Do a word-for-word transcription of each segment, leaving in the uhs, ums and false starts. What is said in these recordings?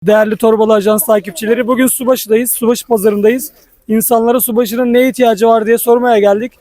Değerli Torbalı Ajans takipçileri, bugün Subaşı'dayız. Subaşı pazarındayız. İnsanlara Subaşı'nın ne ihtiyacı var diye sormaya geldik.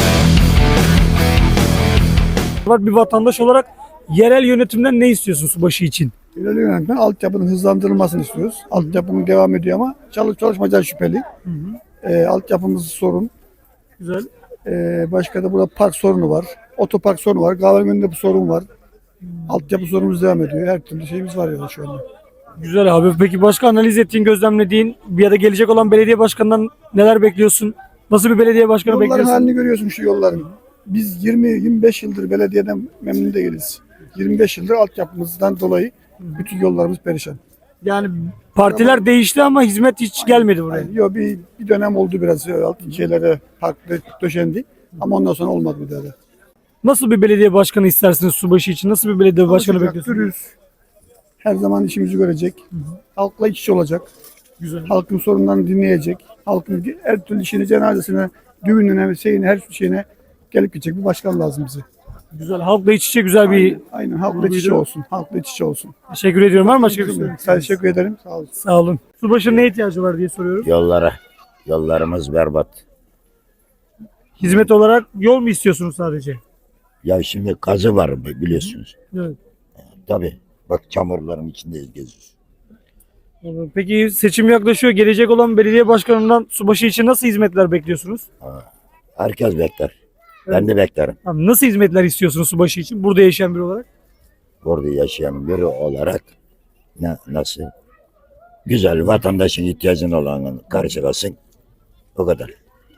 Bir vatandaş olarak yerel yönetimden ne istiyorsun Subaşı için? İleri yönetimden altyapının hızlandırılmasını istiyoruz. Altyapının devam ediyor ama çalış çalışmaca şüpheli. Hı hı. E, altyapımız sorun. Güzel. E, başka da burada park sorunu var. Otopark sorunu var. Kahvenin önünde bu sorun var. Altyapı sorunumuz devam ediyor. Her türlü şeyimiz var ya şu anda. Güzel abi. Peki başka analiz ettiğin, gözlemlediğin ya da gelecek olan belediye başkanından neler bekliyorsun? Nasıl bir belediye başkanı Yolların bekliyorsun? halini görüyorsun şu yolların. Biz yirmi yirmi beş yıldır belediyeden memnun değiliz. yirmi beş yıldır altyapımızdan dolayı bütün yollarımız perişan. Yani partiler değişti ama hizmet hiç gelmedi buraya. Yani, yok bir, bir dönem oldu biraz alt şeylere parklı döşendi ama ondan sonra olmadı bir daha da. Nasıl bir belediye başkanı istersiniz Subaşı için? Nasıl bir belediye başkanı Çalışacak, bekliyorsunuz? dürüst, her zaman işimizi görecek, halkla iç içe olacak, Güzel. halkın sorunlarını dinleyecek, halkın her türlü işine, cenazesine, düğününe, şeyine, her şeyine gelip gidecek bir başkan lazım bize. Güzel. Halkla iç içe güzel bir... Aynen, aynen halkla iç içe olsun, halkla iç içe olsun. Teşekkür ediyorum. Var mı başka bir şey? Sağ teşekkür ederim, sağ olun. Sağ olun. Subaşı'nın ne ihtiyacı var diye soruyoruz. Yollara. Yollarımız berbat. Hizmet olarak yol mu istiyorsunuz sadece? Ya şimdi kazı var biliyorsunuz. Evet. Tabii. Bak çamurların içindeyiz geziyoruz. Peki seçim yaklaşıyor. Gelecek olan belediye başkanından Subaşı için nasıl hizmetler bekliyorsunuz? Herkes bekler. Ben de beklerim. Abi nasıl hizmetler istiyorsunuz Subaşı için? Burada yaşayan biri olarak. Burada yaşayan biri olarak ne, nasıl? Güzel vatandaşın ihtiyacını olanı karşılasın. O kadar.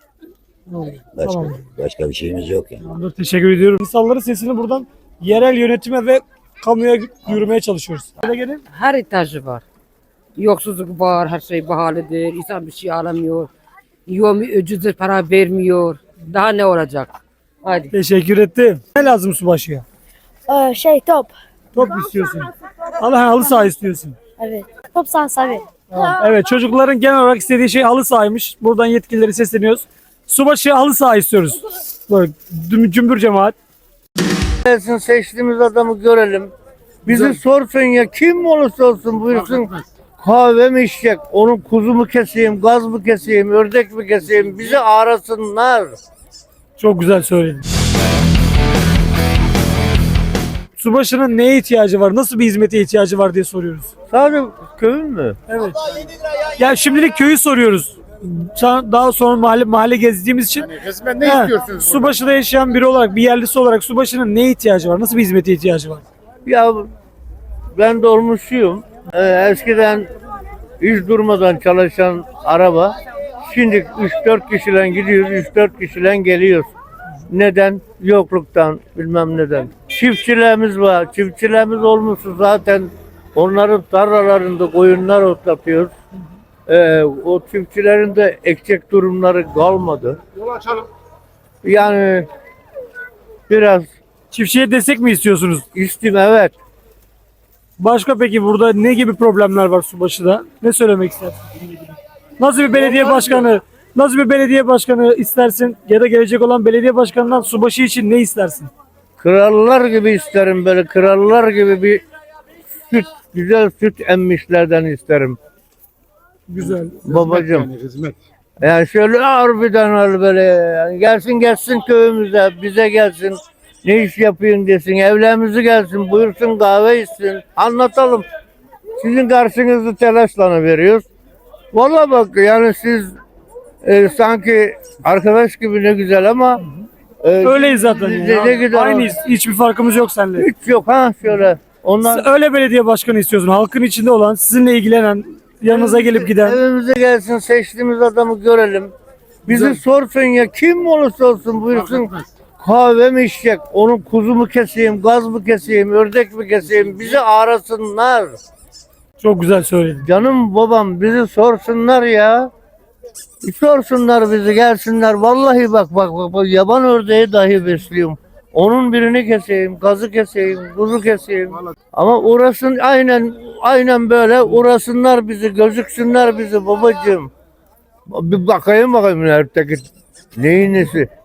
Başka, Tamam. başka bir şeyimiz yok yani. Tamamdır, teşekkür ediyorum. İnsanların sesini buradan yerel yönetime ve kamuya yürümeye çalışıyoruz. Hadi gelin. Her ihtiyacı var. Yoksulluk var, her şey pahalıdır, insan bir şey alamıyor. Yomi ucuzdur, para vermiyor. Daha ne olacak? Hadi. Teşekkür ettim. Ne lazım Subaşı'ya? Ee, şey top. Top istiyorsun. Allah halı saha istiyorsun. Evet. Top sahası abi. Evet, çocukların genel olarak istediği şey halı sahaymış. Buradan yetkilileri sesleniyoruz. Subaşı halı saha istiyoruz. Böyle düm- cümbür cemaat. Gelsin seçtiğimiz adamı görelim. Bizi Güzel. sorsun ya kim olursa olsun buyursun kahve mi içecek? Onun kuzu mu keseyim, gaz mı keseyim, ördek mi keseyim? Bizi arasınlar. Çok güzel söyledin. Subaşı'nın neye ihtiyacı var? Nasıl bir hizmete ihtiyacı var diye soruyoruz. Sadece köyün mü? Evet. Ya şimdilik köyü soruyoruz. Sa- Daha sonra mahalle mahalle gezdiğimiz için. Resmen ne He, istiyorsunuz? Subaşı'da yaşayan biri olarak, bir yerlisi olarak Subaşı'nın neye ihtiyacı var? Nasıl bir hizmete ihtiyacı var? Ya ben dolmuşçuyum. Ee, eskiden hiç durmadan çalışan araba. Şimdi üç dört kişiyle gidiyoruz, üç dört kişiyle geliyoruz. Neden? Yokluktan, bilmem neden. Çiftçilerimiz var. Çiftçilerimiz olmuşsa zaten onların tarlalarında koyunlar otlatıyoruz. Ee, o çiftçilerin de ekecek durumları kalmadı. Yolu açalım. Yani biraz Çiftçiye destek mi istiyorsunuz? istim evet. Başka peki burada ne gibi problemler var Subaşı'da? Ne söylemek istersin? Nasıl bir belediye başkanı, nasıl bir belediye başkanı istersin ya da gelecek olan belediye başkanından Subaşı için ne istersin? Krallar gibi isterim böyle krallar gibi bir süt, güzel süt emmişlerden isterim. Güzel. Babacığım. Yani hizmet. Yani şöyle harbiden öyle böyle yani gelsin gelsin köyümüze bize gelsin. Ne iş yapıyorsun desin evlerimizi gelsin buyursun kahve içsin anlatalım. Sizin karşınızda telaşla veriyoruz. Vallahi bak yani siz e, sanki arkadaş gibi ne güzel ama e, Öyleyiz zaten. siz Ya. de ne güzel- Aynıyız. Hiçbir farkımız yok seninle. Hiç yok ha şöyle. Ondan Siz öyle belediye başkanı istiyorsun. Halkın içinde olan, sizinle ilgilenen, yanınıza gelip giden. evimize gelsin seçtiğimiz adamı görelim. Bizi Güzel. sorsun ya kim olursa olsun buyursun kahve mi içecek? Onun kuzu mu keseyim, gaz mı keseyim, ördek mi keseyim? Bizi arasınlar. Çok güzel söyledin. Canım babam bizi sorsunlar ya. Bir sorsunlar bizi gelsinler. Vallahi bak bak bak, bak yaban ördeği dahi besliyorum. Onun birini keseyim, gazı keseyim, kuzu keseyim. Ama uğrasın aynen aynen böyle uğrasınlar bizi, gözüksünler bizi babacığım. Bir bakayım bakayım ördeki neyin nesi.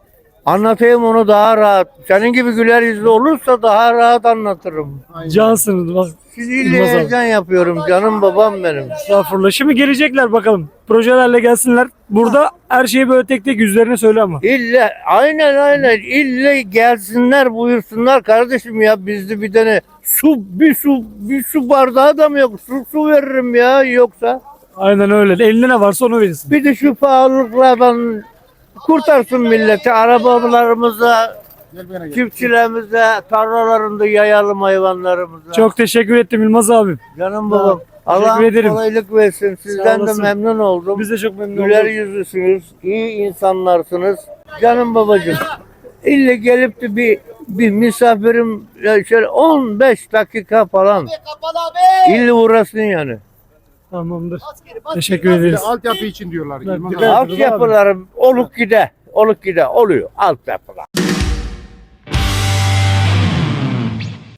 Anlatayım onu daha rahat. Senin gibi güler yüzlü olursa daha rahat anlatırım. Cansınız. Bak, Siz Yılmaz ille abi. heyecan yapıyorum canım babam benim. Estağfurullah. Şimdi gelecekler bakalım. Projelerle gelsinler. Burada her şeyi böyle tek tek yüzlerine söyle ama. İlle aynen aynen ille gelsinler buyursunlar kardeşim ya bizde bir tane su bir su bir su bardağı da mı yok? Su su veririm ya yoksa. Aynen öyle. Elinde ne varsa onu verirsin. Bir de şu pahalılıklardan kurtarsın milleti. Arabalarımıza, çiftçilerimize, tarlalarında yayalım hayvanlarımıza. Çok teşekkür ettim Yılmaz abim. Canım babam. Allah Teşekkür ederim. kolaylık versin. Sizden de olasın. memnun oldum. Biz de çok memnun Güler olduk. yüzlüsünüz, iyi insanlarsınız. Canım babacığım. İlle gelip de bir bir misafirim ya şöyle on beş dakika falan. İlle uğrasın yani. Tamamdır. Teşekkür ederiz. Altyapı için diyorlar. Evet, Yılmaz dikkat abi. et. Altyapılarım oluk gide, oluk gide oluyor altyapılar.